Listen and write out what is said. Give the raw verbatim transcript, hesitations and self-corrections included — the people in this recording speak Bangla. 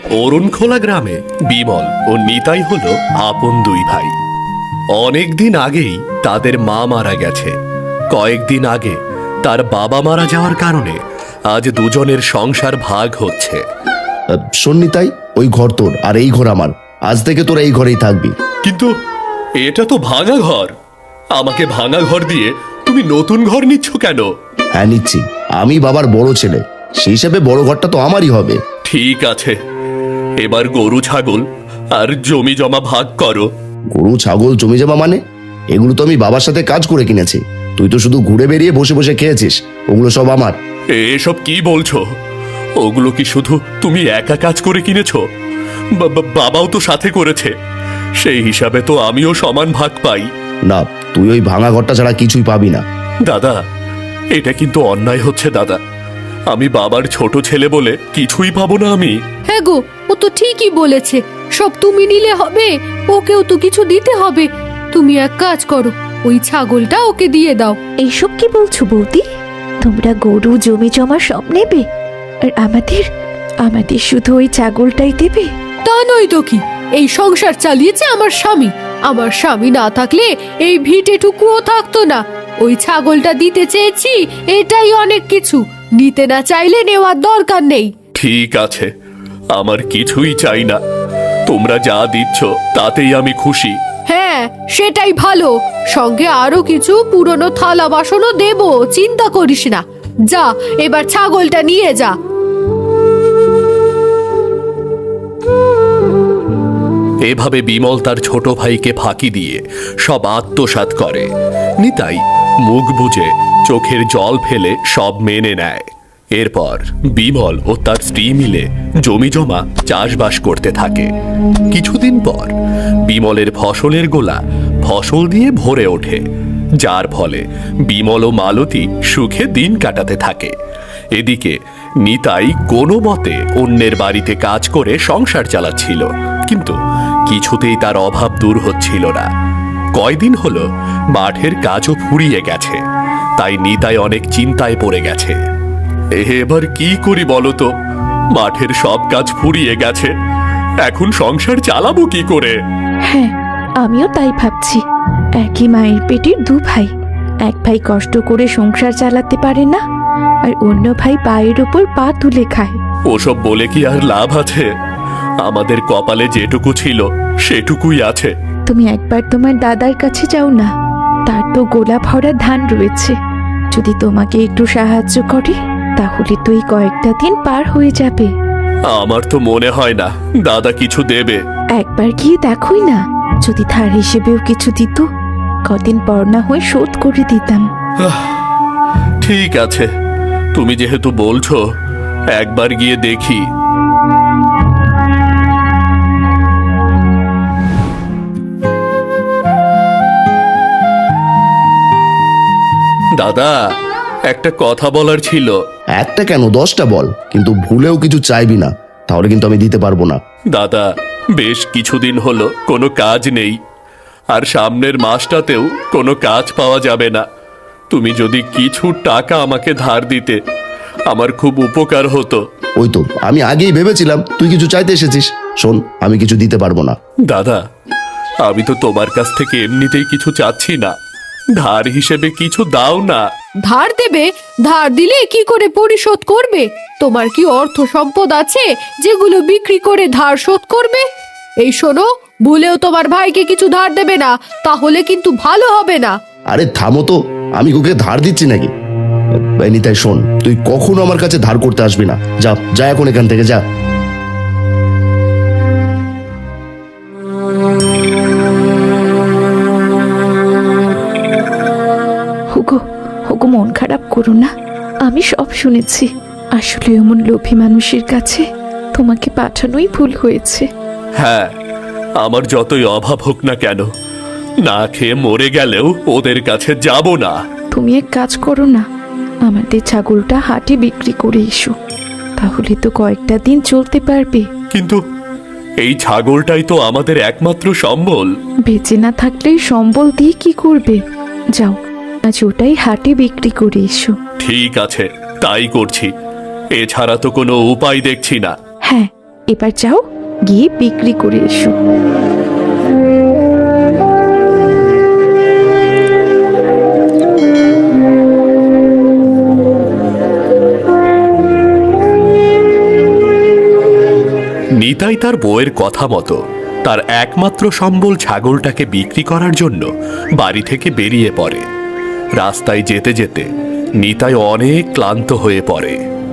অরুণখোলা গ্রামে বিমল ও নিতাই হলো আপন দুই ভাই। অনেকদিন আগেই তাদের মা মারা গেছে। কয়েকদিন আগে তার বাবা মারা যাওয়ার কারণে আজ দুজনের সংসার ভাগ হচ্ছে। শোন নিতাই, ওই ঘর তোর আর এই ঘর আমার। আজ থেকে তোরা এই ঘরেই থাকবি। কিন্তু এটা তো ভাঙা ঘর। আমাকে ভাঙা ঘর দিয়ে তুমি নতুন ঘর নিচ্ছ কেন? হ্যাঁ নিচ্ছি, আমি বাবার বড় ছেলে, সেই হিসাবে বড় ঘরটা তো আমারই হবে। ঠিক আছে, এবার গরু ছাগল আর জমি জমা ভাগ করো। গরু ছাগল জমি জমা মানে? এগুলো তো আমি বাবার সাথে কাজ করে কিনেছি। তুই তো শুধু ঘুরে বেরিয়ে বসে বসে খেয়েছিস, ওগুলো সব আমার। এসব কি বলছো? ওগুলো কি শুধু তুমি একা কাজ করে কিনেছো? বা- বা- বাবাও তো সাথে করেছে, সেই হিসাবে তো আমিও সমান ভাগ পাই। না, তুই ওই ভাঙা ঘরটা ছাড়া কিছুই পাবি না। দাদা, এটা কিন্তু অন্যায় হচ্ছে দাদা। আমি বাবার ছোট ছেলে বলে কিছুই পাবো না আমি? হ্যাঁ গো, ও তো ঠিকই বলেছে। সব তুমি নিলে হবে? ওকেও তো কিছু দিতে হবে। তুমি এক কাজ করো, ওই ছাগলটা ওকে দিয়ে দাও। এইসব কি বলছো বৌদি? তোমরা গরু জমি জমা সব নেবে, আর আমাদের আমাদের শুধু ওই ছাগলটাই দেবে? তা নয় তো কি, এই সংসার চালিয়েছে আমার স্বামী। আমার স্বামী না থাকলে এই ভিটেটুকুও থাকতো না। ওই ছাগলটা দিতে চেয়েছি, এটাই অনেক কিছু। নিতে না চাইলে নেওয়ার দরকার নেই। ঠিক আছে, আমার কিছুই চাই না। তোমরা যা দিচ্ছ তাতেই আমি খুশি। হ্যাঁ, সেটাই ভালো। সঙ্গে আরো কিছু পুরনো থালা বাসনও দেব, চিন্তা করিস না। যা, এবার ছাগলটা নিয়ে যা। এভাবে বিমল তার ছোট ভাইকে ফাঁকি দিয়ে সব আত্মসাৎ করে। নিতাই মুখ বুজে চোখের জল ফেলে সব মেনে নেয়। এরপর বিমল ও তার স্ত্রী মিলে জমি জমা চাষবাস করতে থাকে। কিছুদিন পর বিমলের ফসলের গোলা ফসল দিয়ে ভরে ওঠে, যার ফলে বিমল ও মালতী সুখে দিন কাটাতে থাকে। এদিকে নিতাই কোনো মতে অন্যের বাড়িতে কাজ করে সংসার চালাচ্ছিল, কিন্তু কিছুতেই তার অভাব দূর হচ্ছিল না। কয়দিন হলো মাঠের কাজও ফুরিয়ে গেছে, তাই নিতাই অনেক চিন্তায় পড়ে গেছে। এবার কি করি বলো তো? মাঠের সব কাজ ফুরিয়ে গেছে, এখন সংসার চালাবো কি করে? হ্যাঁ, আমিও তাই ভাবছি। একই মায়ের পেটের দু ভাই, এক ভাই কষ্ট করে সংসার চালাতে পারে না, আর অন্য ভাই পায়ের ওপর পা তুলে খায়। ওসব বলে কি আর লাভ আছে? আমাদের কপালে যেটুকু ছিল সেটুকুই আছে। তুমি একবার তোমার দাদার কাছে যাও না, তার তো গোলা ভরা ধান রয়েছে। যদি তোমাকে একটু সাহায্য করে, তাহলে তো এই কয়েকটা দিন পার হয়ে যাবে। আমার তো মনে হয় না দাদা কিছু দেবে। একবার গিয়ে দেখোই না, যদি ধার হিসেবেও কিছু দিত, কদিন পর না হয়ে শোধ করে দিতাম। ঠিক আছে, তুমি যেহেতু বলছো, একবার গিয়ে দেখি। দাদা, একটা কথা বলার ছিল। একটা কেন, দশটা বল, কিন্তু ভুলেও কিছু চাইবি না, তাহলে কিন্তু আমি দিতে পারবো না। দাদা, বেশ কিছুদিন হলো কোনো কাজ নেই, আর সামনের মাসটাতেও কোনো কাজ পাওয়া যাবে না। তুমি যদি কিছু টাকা আমাকে ধার দিতে, আমার খুব উপকার হতো। ওই তো আমি আগেই ভেবেছিলাম তুই কিছু চাইতে এসেছিস। শোন, আমি কিছু দিতে পারবো না। দাদা, আমি তো তোমার কাছ থেকে এমনিতেই কিছু চাচ্ছি না, ধার হিসেবে কিছু দাও না। ধার দেবে? ধার দিলে কি করে পরিশোধ করবে? তোমার কি অর্থ সম্পদ আছে যেগুলো বিক্রি করে ধার শোধ করবে? এই শোনো, ভুলেও তোমার ভাইকে কিছু ধার দেবে না, তাহলে কিন্তু ভালো হবে না। আরে থামো তো, আমি ওকে ধার দিচ্ছি নাকি? এই নিতাই শোন, তুই কখনো আমার কাছে ধার করতে আসবি না। যা যা এখন এখান থেকে যা। হুগো হুগো, মন খারাপ করো না। আমি সব শুনেছি। আসলে এমন লোভী মানুষের কাছে তোমাকে পাঠানোই ভুল হয়েছে। হ্যাঁ, আমার যতই অভাব হোক না কেন, না খেয়ে মরে গেলেও ওদের কাছে যাব না। তুমি এক কাজ করো না, আমাদের ছাগলটা হাটে বিক্রি করে এসো, তাহলে তো কয়েকটা দিন চলতে পারবে। কিন্তু এই ছাগলটাই তো আমাদের একমাত্র সম্বল। বেঁচে না থাকলে সম্বল দিয়ে কি করবে? যাও, আজ ওটাই হাটে বিক্রি করে এসো। ঠিক আছে, তাই করছি। এছাড়া তো কোনো উপায় দেখছি না। হ্যাঁ, এবার যাও, গিয়ে বিক্রি করে এসো। নিতাই তার বউয়ের কথা মতো তার একমাত্র সম্বল ছাগলটাকে বিক্রি করার জন্য বাড়ি থেকে বেরিয়ে পড়ে। রাস্তায় যেতে যেতে নিতাই অনেক ক্লান্ত হয়ে পড়ে।